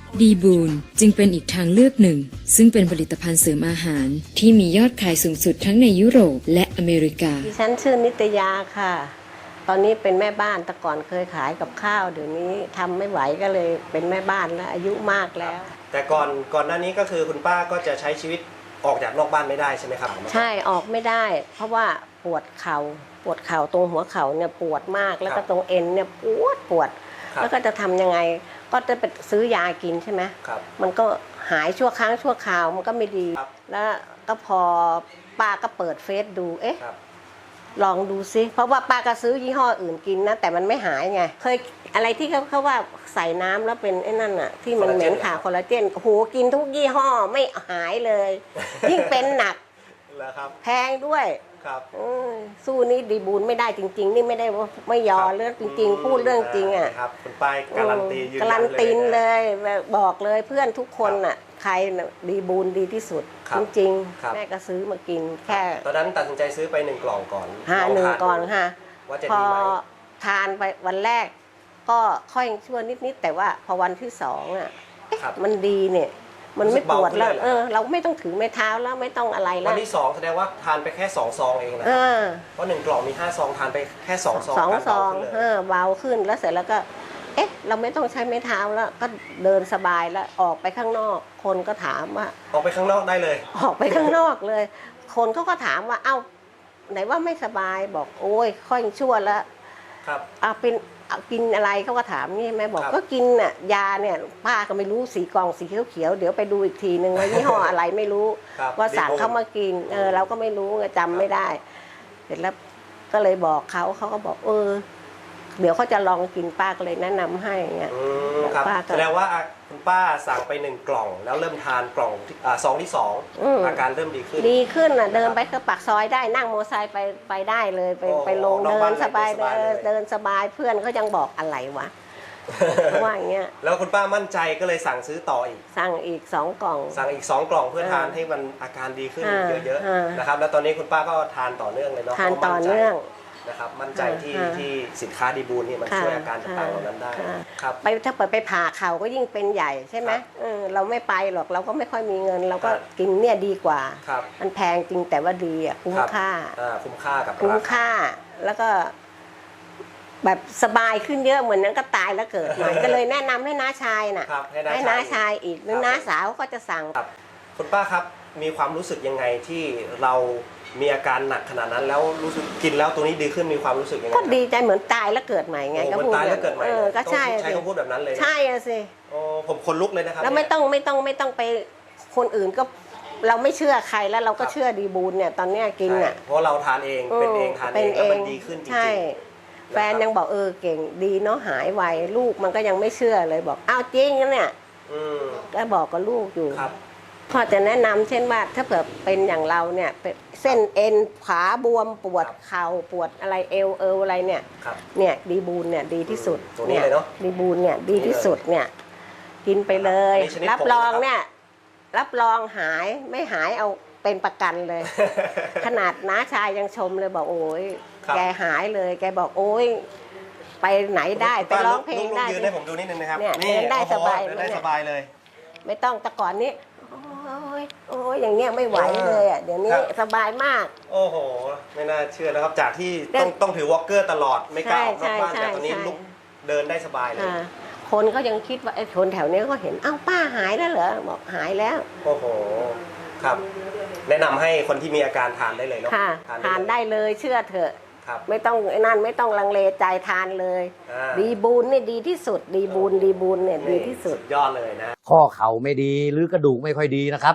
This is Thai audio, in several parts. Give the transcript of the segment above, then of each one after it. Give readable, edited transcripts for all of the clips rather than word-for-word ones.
ดีบูนจึงเป็นอีกทางเลือกหนึ่งซึ่งเป็นผลิตภัณฑ์เสริมอาหารที่มียอดขายสูงสุดทั้งในยุโรปและอเมริกาดิฉันชื่อนิตยาค่ะตอนนี้เป็นแม่บ้านแต่ก่อนเคยขายกับข้าวเดี๋ยวนี้ทำไม่ไหวก็เลยเป็นแม่บ้านแล้วอายุมากแล้วแต่ก่อนหน้านี้ก็คือคุณป้าก็จะใช้ชีวิตออกจากนอกบ้านไม่ได้ใช่ไหมครับใช่ออกไม่ได้ เพราะว่าปวดเข่าตรงหัวเข่าเนี่ยปวดมากแล้วก็ตรงเอ็นเนี่ยปวดแล้วก็จะทำยังไงก็จะไปซื้อยากินใช่ไหมมันก็หายชั่วครั้งชั่วคราวมันก็ไม่ดีแล้วก็พอป้าก็เปิดเฟซดูลองดูซิเพราะว่าป้าก็ซื้อยี่ห้ออื่นกินนะแต่มันไม่หายไงเคยอะไรที่เขาว่าใส่น้ำแล้วเป็นไอ้นั่นอะที่มันเหม็นขาคอลลาเจนโหกินทุกยี่ห้อไม่หายเลยยิ่งเป็นหนักแพงด้วยสู้นี่ดีบูนไม่ได้จริงๆนี่ไม่ได้ว่าไม่ยอเรื่องจริงๆพูดเรื่องจริงอ่ะครับคุณป้าการันตียืนยันเลยการันตีเลยบอกเลยเพื่อนทุกคนอ่ะใครดีบูนดีที่สุดจริงๆแม่ก็ซื้อมากินแค่ตอนนั้นตัดสินใจซื้อไป1 กล่องก่อน 1 กล่องค่ะว่าจะพอดีไหมทานไปวันแรกก็ค่อยชั่วนิดๆแต่ว่าพอวันที่2อ่ะมันดีเนี่ยมันไม่ปวดแล้วเราไม่ต้องถือไม้เท้าแล้วไม่ต้องอะไรแล้ววันที่2แสดงว่าทานไปแค่2 ซองเองนะเพราะ1 กล่องมี5 ซองทานไปแค่2 ซอง 2 ซองเบาขึ้นแล้วเสร็จแล้วก็เราไม่ต้องใช้ไม้เท้าแล้วก็เดินสบายแล้วออกไปข้างนอกคนก็ถามว่าออกไปข้างนอกได้เลยออกไปข้างนอกเลยคนเขาก็ถามว่าเอ้าไหนว่าไม่สบายบอกโอ้ยค่อยชั่วแล้วเป็นกินอะไรเขาก็ถามนี่แม่บอกก็กินน่ะยาเนี่ยป้าก็ไม่รู้สีกล่องสีเขียวเดี๋ยวไปดูอีกทีนึงว่ายี่ห้ออะไรไม่รู้ว่าสั่งเขามากินเราก็ไม่รู้จำไม่ได้เสร็จแล้วก็เลยบอกเขาก็บอกเดี๋ยวเขาจะลองกินป้าก็เลยแนะนำให้เงี้ยแสดงว่าคุณป้าสั่งไป1 กล่องแล้วเริ่มทานกล่องซองที่2อาการเริ่มดีขึ้นเดินไปก็ปากซอยได้นั่งมอเตอร์ไซค์ไปได้เลยไปลงเดินสบายเดินสบายเพื่อนเขายังบอกอะไรวะว่าอย่างเงี้ยแล้วคุณป้ามั่นใจก็เลยสั่งซื้อต่ออีกสั่งอีก2 กล่องสั่งอีก2 กล่องเพื่อทานให้มันอาการดีขึ้นเยอะๆนะครับแล้วตอนนี้คุณป้าก็ทานต่อเนื่องเลยเนาะทานต่อเนื่องนะครับมั่นใจที่สินค้าดีบูนนี่มันช่วยอาการต่างๆเหล่านั้นได้ครับถ้าไปผ่าเข่าก็ยิ่งเป็นใหญ่ใช่ไหมเราไม่ไปหรอกเราก็ไม่ค่อยมีเงินเราก็กินเนี่ยดีกว่ามันแพงจริงแต่ว่าดีอ่ะคุ้มค่ากับคุ้มค่าแล้วก็แบบสบายขึ้นเยอะเหมือนนั้นก็ตายแล้วเกิดใหม่ก็เลยแนะนำให้น้าชายน่ะให้น้าชายอีกหรือน้าสาวก็จะสั่งคุณป้าครับมีความรู้สึกยังไงที่เรามีอาการหนักขนาดนั้นแล้วรู้สึกกินแล้วตัวนี้ดีขึ้นมีความรู้สึกยังไงก็ดีใจเหมือนตายแล้วเกิดใหม่ไงก็พูดตายแล้วเกิดใหม่ก็ใช่ใช้คำพูดแบบนั้นเลยใช่สิผมคนลุกเลยนะครับแล้วไม่ต้องไปคนอื่นก็เราไม่เชื่อใครแล้วเราก็เชื่อดีบูนเนี่ยตอนเนี้ยกินอ่ะเพราะเราทานเองเป็นเองทานเองแล้วมันดีขึ้นจริงแฟนยังบอกเก่งดีเนาะหายไวลูกมันก็ยังไม่เชื่อเลยบอกอ้าวจริงนะเนี่ยก็บอกกับลูกอยู่พอจะแนะนำเช่นว่าถ้าเผื่อเป็นอย่างเราเนี่ยเส้นเอ็นขาบวมปวดเข่าปวดอะไรเอวอะไรเนี่ยดีบูนเนี่ยดีที่สุดตัวนี้เลยเนาะดีบูนเนี่ยดีที่สุดเนี่ยกินไปเลยรับรองเนี่ยรับรองหายไม่หายเอาเป็นประกันเลย ขนาดน้าชายยังชมเลยบอกโอ้ยแกหายเลยแกบอกโอ้ยไปไหนได้ไปร้องเพลงได้ยืนให้ผมดูนิดนึงนะครับนี่ได้สบายเลยไม่ต้องแต่ก่อนนี้โอ้ยอย่างเงี้ยไม่ไหวเลยอ่ะเดี๋ยวนี้สบายมากโอ้โหไม่น่าเชื่อนะครับจากที่ต้องถือวอล์กเกอร์ตลอดไม่กล้าออกนอกบ้านแต่ตอนนี้ลุกเดินได้สบายเลยคนก็ยังคิดว่าไอ้คนแถวนี้ก็เห็นอ้าวป้าหายแล้วเหรอบอกหายแล้วโอ้โหครับแนะนำให้คนที่มีอาการทานได้เลยเนาะทานได้เลยเชื่อเถอะไม่ต้องนั่นไม่ต้องลังเลใจทานเลยดีบูนนี่ดีที่สุดดีบูนเนี่ยดีที่สุดยอดเลยนะข้อเข่าไม่ดีหรือกระดูกไม่ค่อยดีนะครับ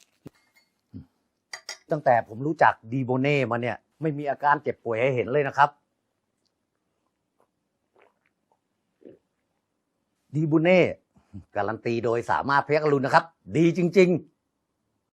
ตั้งแต่ผมรู้จักดีโบเน่มาเนี่ยไม่มีอาการเจ็บป่วยให้เห็นเลยนะครับดีโบเน่การันตีโดยสามารถเพชรอรุณนะครับดีจริงๆ